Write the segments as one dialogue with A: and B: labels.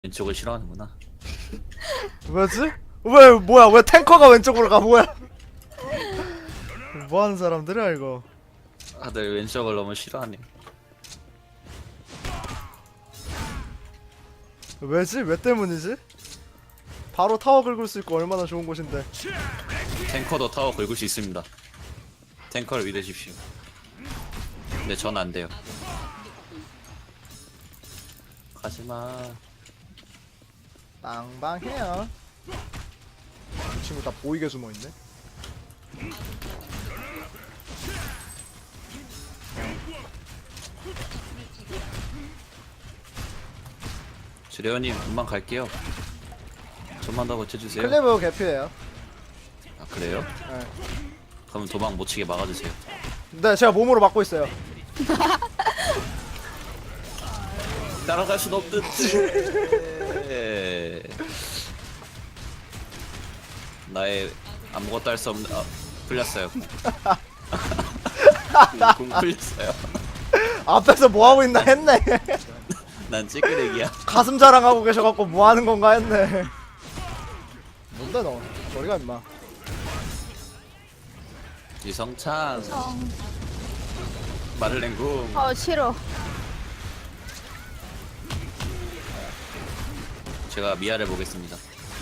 A: 왼쪽을 싫어하는구나.
B: 뭐지? 왜 뭐야 왜 탱커가 왼쪽으로 가 뭐야? 뭐하는 사람들이야 이거?
A: 다들 왼쪽을 너무 싫어하네.
B: 왜지? 왜 때문이지? 바로 타워 긁을 수 있고 얼마나 좋은 곳인데.
A: 탱커도 타워 긁을 수 있습니다. 탱커를 믿으십시오. 근데 전 안 돼요. 가지마.
B: 빵빵해요. 이 친구 다 보이게 숨어있네.
A: 주레원님 금방 갈게요. 좀만 더 버텨주세요.
B: 클리브 개피예요.
A: 아 그래요?
B: 네.
A: 그럼 도망 못 치게 막아주세요.
B: 네, 제가 몸으로 막고 있어요.
A: 따라갈 순 없는데. 나의 아무것도 할 수 없는 풀렸어요. 공 풀렸어요.
B: 앞에서 뭐 하고 있나 했네.
A: 난 찌끄레기야.
B: 가슴 자랑하고 계셔갖고 뭐 하는 건가 했네. 뭔데 너? 머리가 임마.
A: 이성찬 마를렌궁.
C: 싫어.
A: 제가 미아를 보겠습니다.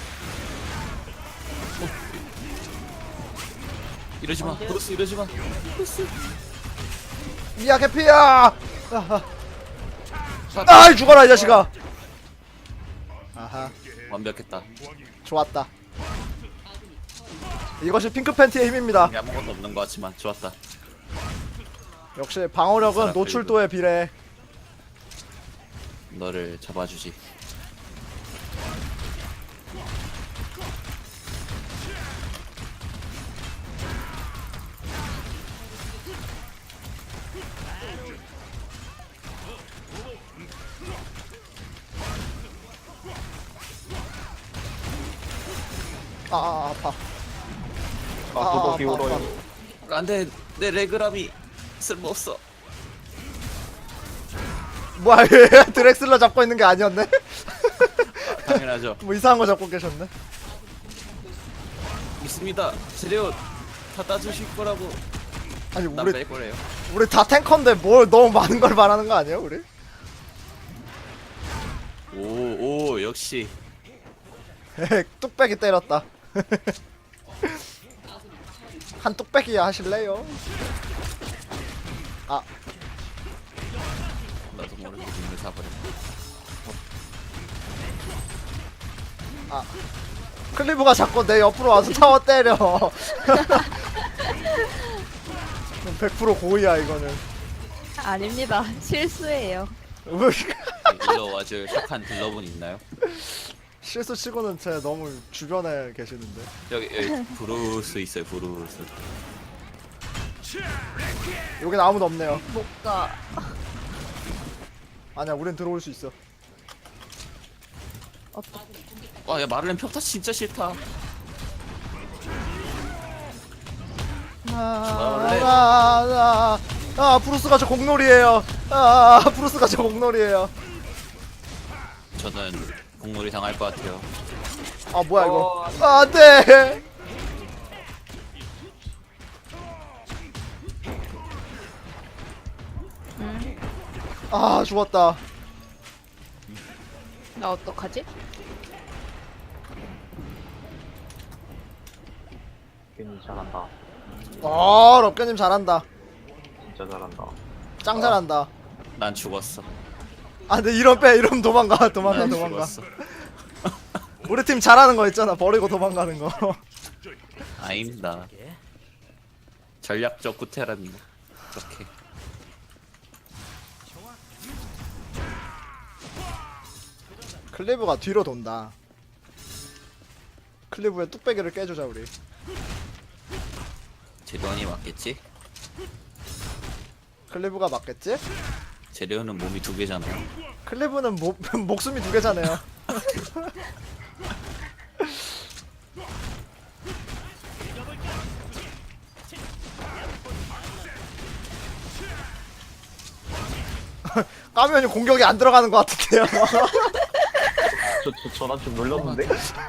A: 이러지마 브루스 이러지마.
B: 미야 개피야. 아 죽어라 이 자식아. 아하
A: 완벽했다.
B: 좋았다. 이것이 핑크 팬티의 힘입니다.
A: 이게 아무것도 없는 것 같지만 좋았다.
B: 역시 방어력은 노출도에 비례.
A: 너를 잡아주지.
B: 아파.
D: 구독 기울어요.
A: 안돼 내 레그람이 쓸모없어.
B: 뭐야 얘 드렉슬러 잡고 있는 게 아니었네?
A: 당연하죠.
B: 뭐 이상한 거 잡고 계셨네?
A: 믿습니다. 재료 다 따주실 거라고.
B: 아니
A: 난
B: 우리
A: 뺄 거래요.
B: 우리 다 탱커인데 뭘 너무 많은 걸 말하는 거 아니에요 우리?
A: 오 역시
B: 뚝배기 때렸다. 한 뚝배기야 하실래요? 아
A: 나도 모르게 눈을 사버렸네.
B: 클리브가 자꾸 내 옆으로 와서 타워 때려. 100% 고의야 이거는.
C: 아닙니다. 실수예요.
A: 일로 와줄 착한 딜러분 있나요?
B: 실수 치고는 제 너무 주변에 계시는데.
A: 여기 브루스 있어요. 브루스.
B: 여긴 아무도 없네요.
C: 못 가.
B: 아니야 우린 들어올 수 있어.
C: 어떡해.
A: 와야 마를렌 평타 진짜 싫다.
B: 브루스가 저 공놀이에요. 브루스가 저 공놀이에요.
A: 저는 공놀이 당할 것 같아요.
B: 아 뭐야 이거? 안돼. 아 죽었다.
C: 나 어떡하지?
D: 괜히 잘한다.
B: 럽게님 잘한다.
D: 진짜 잘한다.
B: 짱 잘한다.
A: 난 죽었어.
B: 아 근데 이런 도망가 도망가
A: 난
B: 도망가.
A: 죽었어.
B: 우리 팀 잘하는 거 있잖아. 버리고 도망가는 거.
A: 아닙니다. 전략적 구태랍니다. 그렇게.
B: 클리브가 뒤로 돈다. 클리브의 뚝배기를 깨주자 우리.
A: 재련이 맞겠지?
B: 클리브가 맞겠지?
A: 재련은 몸이 두 개잖아요.
B: 클리브는 목숨이 두 개잖아요. 까면이 공격이 안 들어가는 것 같은데요.
D: 저 전화 좀 눌렀는데?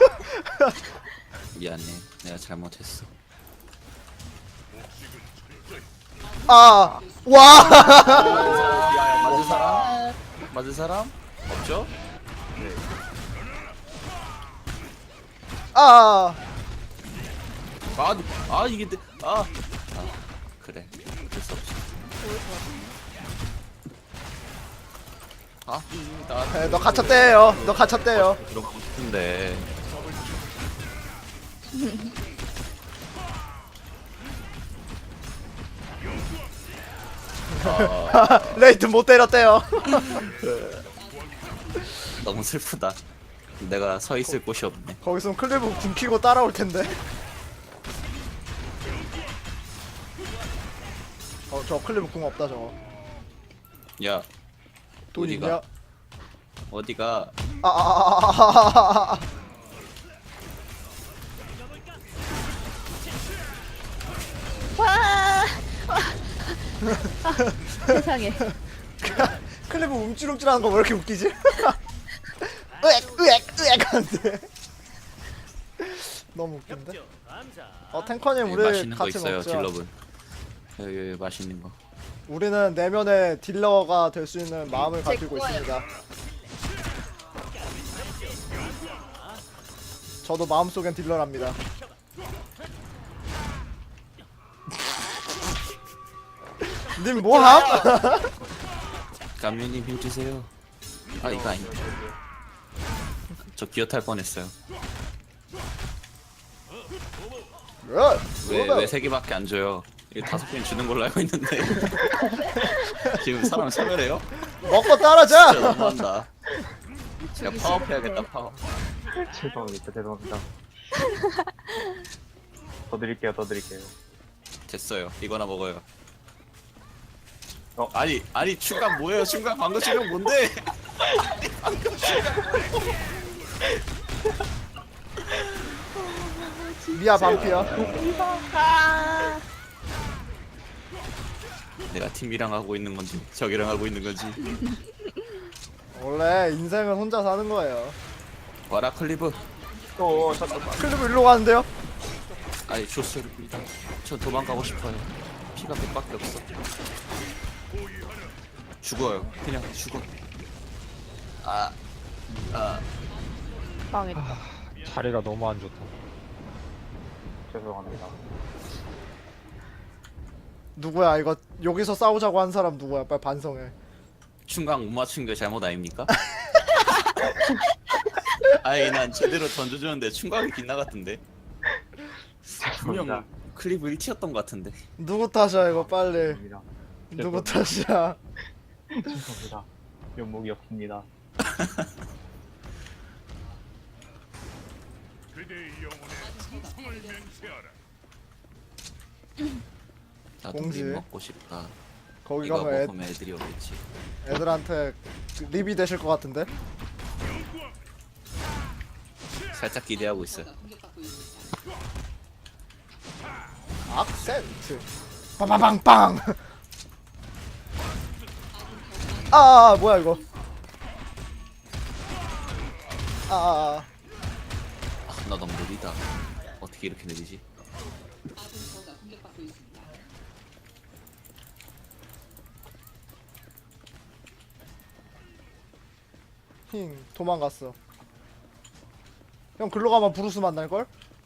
A: 미안해. 내가 잘못했어.
B: 아, 와.
A: 맞은 사람? 맞은 사람? 없죠?
B: 아,
A: 이게 그래. 어쩔 수 없지. 나
B: 너 갇혔대요. 너 갇혔대요.
A: 들어가고 싶은데.
B: 레이튼 못 때렸대요.
A: 너무 슬프다. 내가 서 있을 곳이 없네.
B: 거기서 클리브 궁 키고 따라올 텐데. 저 클리브 궁 없다 저거.
A: 야,
B: 돈
A: 어디가?
B: 있냐?
A: 어디가?
C: 와! 세상에.
B: 클리브 움찔움찔하는 거 왜 이렇게 웃기지? 으액 하는데. 너무 웃긴데? 탱커님
A: 여기
B: 우리
A: 맛있는 거
B: 같이
A: 있어요,
B: 먹자.
A: 딜러분. 여기 맛있는 거.
B: 우리는 내면의 딜러가 될 수 있는 마음을
C: 제
B: 가지고
C: 거예요.
B: 있습니다. 저도 마음속엔 딜러랍니다. 님 뭐함?
A: 감유님 힘 주세요. 이거 아닌데. 저 기어 탈 뻔했어요. 왜 세 개밖에 안 줘요? 이게 5개는 주는 걸로 알고 있는데. 지금 사람 차별해요?
B: 먹고
A: 진짜
B: 따라자!
A: 너무한다. 제가 파업해야겠다, 파업.
D: 죄송합니다. 더 드릴게요.
A: 됐어요. 이거나 먹어요.
D: 어?
A: 아니 충각 뭐예요? 충각 방금 충각 뭔데?
B: 미아 반피야.
C: 아!
A: 내가 팀이랑 하고 있는 건지 적이랑 하고 있는 건지.
B: 원래 인생은 혼자 사는 거예요.
A: 와라 클리브.
D: 잠깐만.
B: 클리브 일로 가는데요?
A: 아니 좋습니다. 저 도망가고 싶어요. 피가 100밖에 없어. 죽어요. 그냥 죽어.
C: 망했다.
E: 자리가 너무 안 좋다.
D: 죄송합니다.
B: 누구야 이거 여기서 싸우자고 한 사람 누구야? 빨리 반성해.
A: 충각 못 맞춘 게 잘못 아닙니까? 아니 난 제대로 던져주는데 충각이 빗나갔던데. 분명
D: 죄송합니다.
A: 클리브 1티였던 것 같은데.
B: 누구 탓이야 이거 빨리.
D: 죄송합니다.
B: 누구 탓이야?
D: 죄송합니다. 면목이 없습니다.
A: 나도
B: 공지.
A: 립 먹고 싶다.
B: 거기
A: 이거
B: 가면
A: 먹으면 애들이 오겠지.
B: 애들한테 립이 되실 것 같은데?
A: 살짝 기대하고 있어요.
B: 악센트 빵빵빵빵. 아 뭐야 이거.
A: 나 너무 느리다. 어떻게 이렇게 느리지?
B: 힝 도망갔어. 형 글로 가면 브루스 만날걸?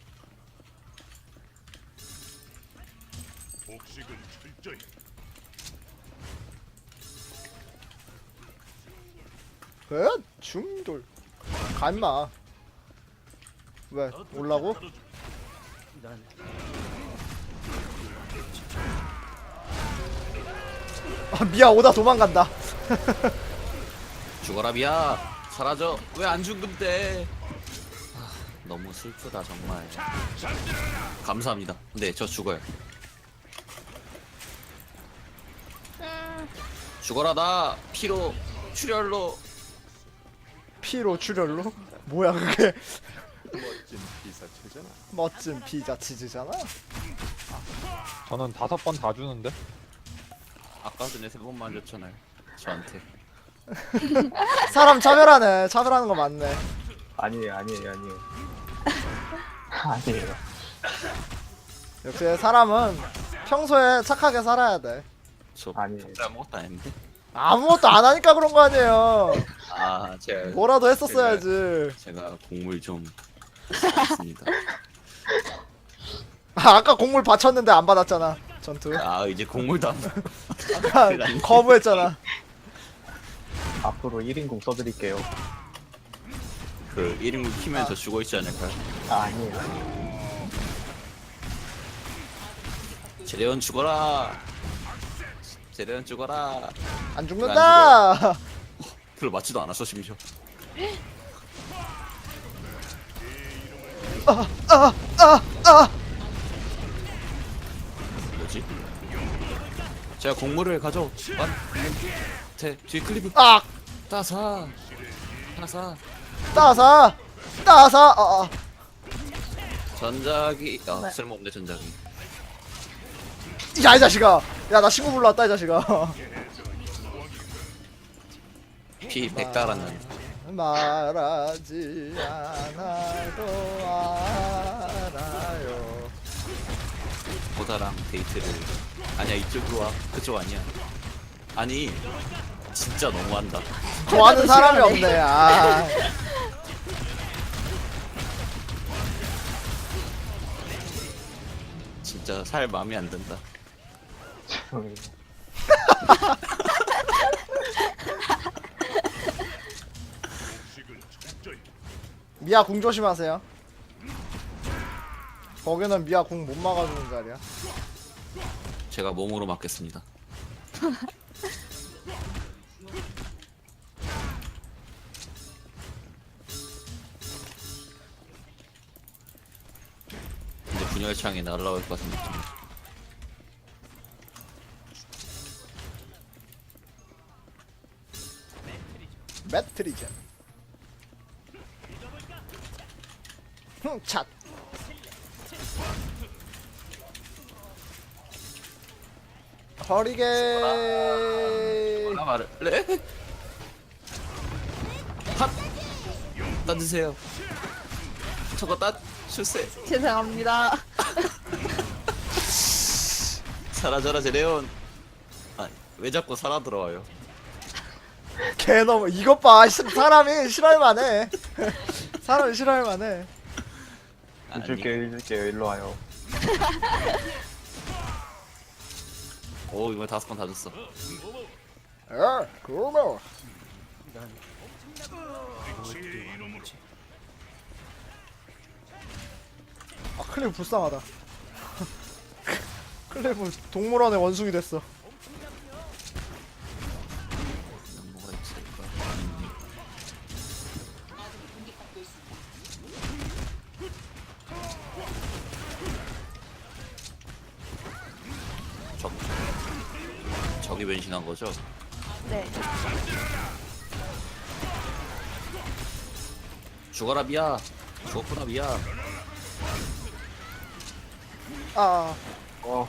B: 중돌 가 임마. 왜 올라고? 미야 오다 도망간다.
A: 죽어라 비야. 사라져. 왜 안 죽는데? 너무 슬프다 정말. 감사합니다. 네, 저 죽어요. 죽어라 나 피로 출혈로.
B: 피로 출혈로? 뭐야 그게? 멋진 피자 치즈잖아.
E: 저는 5번 다 주는데.
A: 아까 전에 3번만 줬잖아요. 저한테.
B: 사람 차별하네. 차별하는 거 맞네.
D: 아니에요. 아니에요.
B: 역시 사람은 평소에 착하게 살아야 돼.
A: 저
D: 아니에요.
A: 아무것도 안 했는데.
B: 아무것도 안 하니까 그런 거 아니에요.
A: 아 제가
B: 뭐라도 했었어야지.
A: 제가 곡물 좀 했습니다.
B: 아까 곡물 바쳤는데 안 받았잖아. 전투.
A: 아 이제 곡물도 안
B: 아까 거부했잖아.
D: 앞으로 1인공 써드릴게요.
A: 그 1인분 키면 저 죽어 있지 않을까요?
D: 아니에요.
A: 제레온 죽어라. 제레온 죽어라.
B: 안 죽는다.
A: 별로 맞지도 않았어 심지어. 뭐지? 제가 곡물을 가져. 뒤 클리브.
B: 아,
A: 따사.
B: 따사.
A: 전자기. 쓸모없네 전자기.
B: 야, 이 자식아. 야, 나 친구 불러왔다, 이 자식아.
A: 피 100 달았네.
B: 말하지 않아도 알아요.
A: 보다랑 데이트를. 아니야 이쪽으로 와. 그쪽 아니야. 아니 진짜 너무한다.
B: 좋아하는 사람이 없네. 아.
A: 진짜 살 마음에 안 든다.
B: 미아 궁 조심하세요. 거기는 미아 궁 못 막아주는 자리야.
A: 제가 몸으로 맞겠습니다. 이제 분열창이 날아올 것 같은 느낌.
B: 매트리젠. 흥, 찻. 버리게.
A: 뭐라 말을래? 핫! 따드세요. 저거 주세요.
C: 죄송합니다.
A: 사라져라 제레온. 아, 왜 자꾸 살아 들어와요?
B: 개너무 이것 봐. 사람이 싫어할만해. 사람이 싫어할만해.
D: 해줄게요. 일로 와요.
A: 오 이번에 5번 다 줬어.
B: 그러면. 아, 클리브 불쌍하다. 클리브 동물원의 원숭이 됐어.
A: 뭐가 있을까? 저기 변신한 거죠?
C: 네.
A: 죽어라 미야. 죽었구나 미야.
B: 아,
D: 어,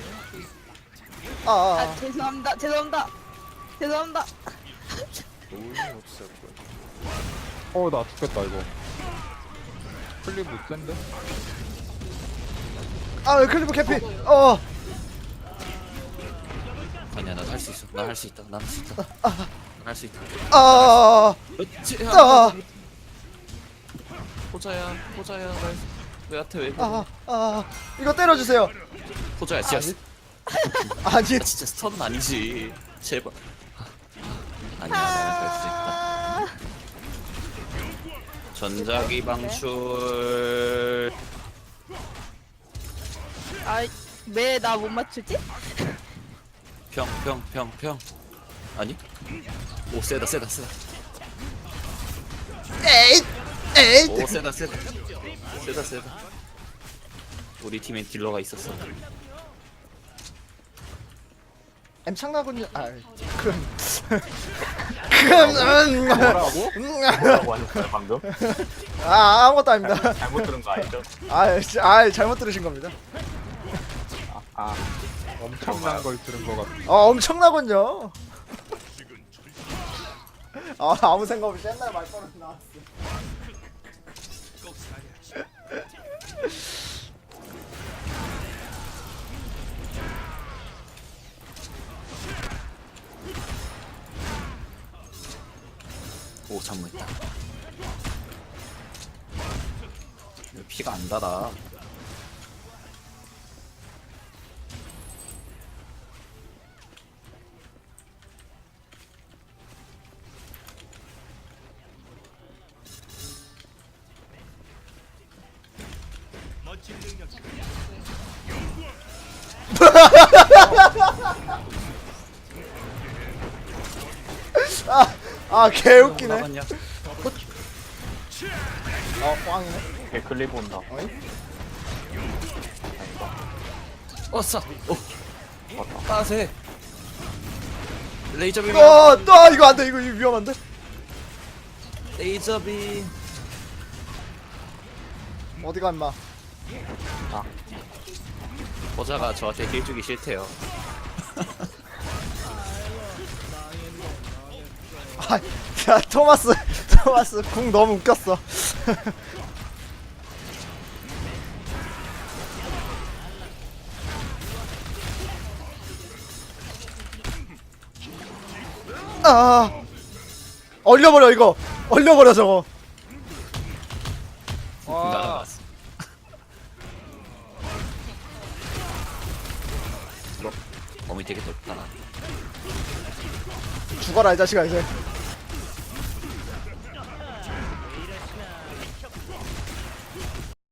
C: 아, 죄송합니다. 죄송합니다.
E: 나 죽겠다 이거. 클리브 센데?
B: 아, 클리브 캐피.
A: 아니야 난 할 수 있어. 난 할 수 있다. 난 할 수 있다. 난 할 수 있다. 그렇지. 호자야. 왜한테 왜 그래?
B: 이거 때려주세요.
A: 호자야 진짜.
B: 아니,
A: 진짜 스턴은 아니지. 제발. 아니야 내가 할 수 있다. 전자기 방출.
C: 아, 왜 나 못 맞추지?
A: 평. 아니? 오 세다.
B: 에잇.
A: 오 세다. 우리 팀엔 딜러가 있었어.
B: 엠창나군요.
D: 뭐라고? 뭐라고 하셨어요 방금?
B: 아무것도 아닙니다.
D: 잘못 들은 거 아니죠?
B: 잘못 들으신 겁니다.
E: 엄청난 걸 들은 것 같아.
B: 엄청나군요. 아무 생각 없이 옛날 말버릇 나왔어.
A: 전무했다. 왜 피가 안 달아?
B: 아 개웃기네.
A: 나갔냐?
B: 꽝이네.
D: 걔 클립 온다.
B: 어이?
A: 어싸. 오.
D: 맞다.
A: 빠세. 레이저 빔.
B: 이거 안돼. 이거 위험한데.
A: 레이저 빔.
B: 어디가 임마.
A: 보자가 저한테 힐 주기 싫대요.
B: 야 토마스 궁 너무 웃겼어. 얼려버려 이거. 얼려버려 저거.
E: 와.
A: 날아갔어. 몸이 되게 덥다.
B: 죽어라 이 자식아 이제.